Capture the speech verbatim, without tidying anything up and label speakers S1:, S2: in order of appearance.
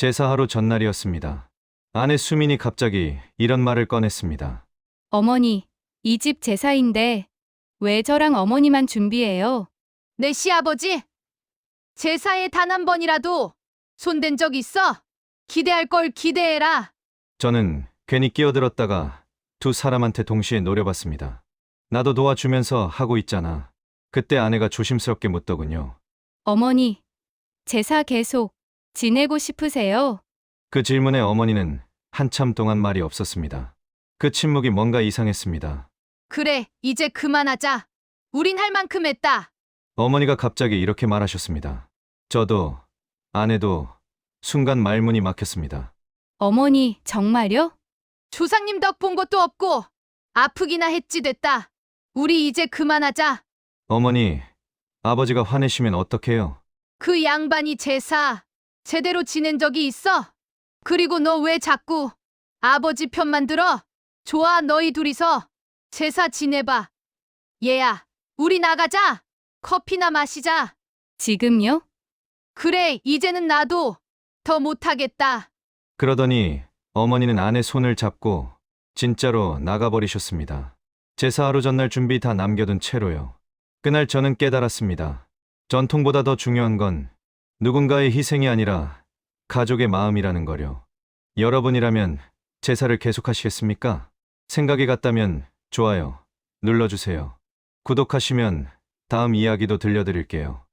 S1: 제사하루 전날이었습니다. 아내 수민이 갑자기 이런 말을 꺼냈습니다.
S2: 어머니, 이 집 제사인데 왜 저랑 어머니만 준비해요?
S3: 내 시아버지? 제사에 단 한 번이라도 손댄 적 있어? 기대할 걸 기대해라.
S1: 저는 괜히 끼어들었다가 두 사람한테 동시에 노려봤습니다. 나도 도와주면서 하고 있잖아. 그때 아내가 조심스럽게 묻더군요.
S2: 어머니, 제사 계속 지내고 싶으세요?
S1: 그 질문에 어머니는 한참 동안 말이 없었습니다. 그 침묵이 뭔가 이상했습니다.
S3: 그래, 이제 그만하자. 우린 할 만큼 했다.
S1: 어머니가 갑자기 이렇게 말하셨습니다. 저도, 아내도 순간 말문이 막혔습니다.
S2: 어머니, 정말요?
S3: 조상님 덕 본 것도 없고 아프기나 했지 됐다. 우리 이제 그만하자.
S1: 어머니, 아버지가 화내시면 어떡해요?
S3: 그 양반이 제사 제대로 지낸 적이 있어? 그리고 너 왜 자꾸 아버지 편만 들어? 좋아, 너희 둘이서 제사 지내봐. 얘야, 우리 나가자. 커피나 마시자.
S2: 지금요?
S3: 그래, 이제는 나도 더 못하겠다.
S1: 그러더니 어머니는 아내 손을 잡고 진짜로 나가버리셨습니다. 제사 하루 전날 준비 다 남겨둔 채로요. 그날 저는 깨달았습니다. 전통보다 더 중요한 건 누군가의 희생이 아니라 가족의 마음이라는 거요. 여러분이라면 제사를 계속하시겠습니까? 생각이 같다면 좋아요 눌러주세요. 구독하시면 다음 이야기도 들려드릴게요.